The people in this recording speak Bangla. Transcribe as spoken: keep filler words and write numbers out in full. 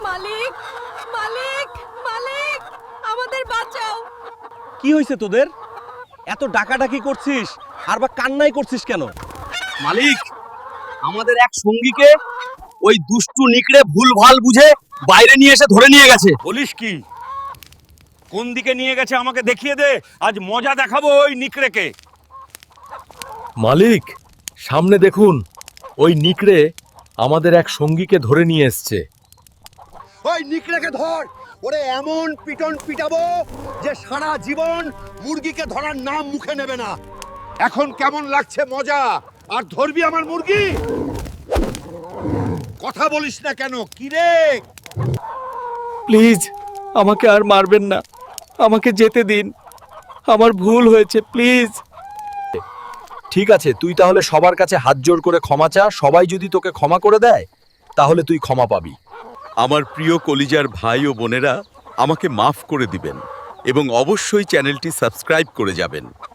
মালিক মালিক মালিক আমাদের বাঁচাও। কি হয়েছে তোদের? এত ডাকাডাকি করছিস আর বা কান্নাই করছিস কেন? মালিক, আমাদের এক সঙ্গীকে ওই দুষ্টু নিকড়ে ভুলভাল বুঝে বাইরে নিয়ে এসে ধরে নিয়ে গেছে। বলিস কি? কোন দিকে নিয়ে গেছে আমাকে দেখিয়ে দে, আজ মজা দেখাবো ওই নিকড়েকে। মালিক, সামনে দেখুন, ওই নিকড়ে আমাদের এক সঙ্গীকে ধরে নিয়ে এসছে। ওই নিকড়েকে ধর, ওরে এমন পিটন পিটাবো যে সারা জীবন মুরগিকে ধরার নাম মুখে নেবে না। এখন কেমন লাগছে মজা? আর ধরবি আমার মুরগি? কথা বলিস না কেন? কি রে? প্লিজ আমাকে আর মারবেন না, আমাকে যেতে দিন, আমার ভুল হয়েছে, প্লিজ। ঠিক আছে, তুই তাহলে সবার কাছে হাত জোড় করে ক্ষমা চা। সবাই যদি তোকে ক্ষমা করে দেয় তাহলে তুই ক্ষমা পাবি। আমার প্রিয় কলিজার ভাই ও বোনেরা, আমাকে মাফ করে দিবেন এবং অবশ্যই চ্যানেলটি সাবস্ক্রাইব করে যাবেন।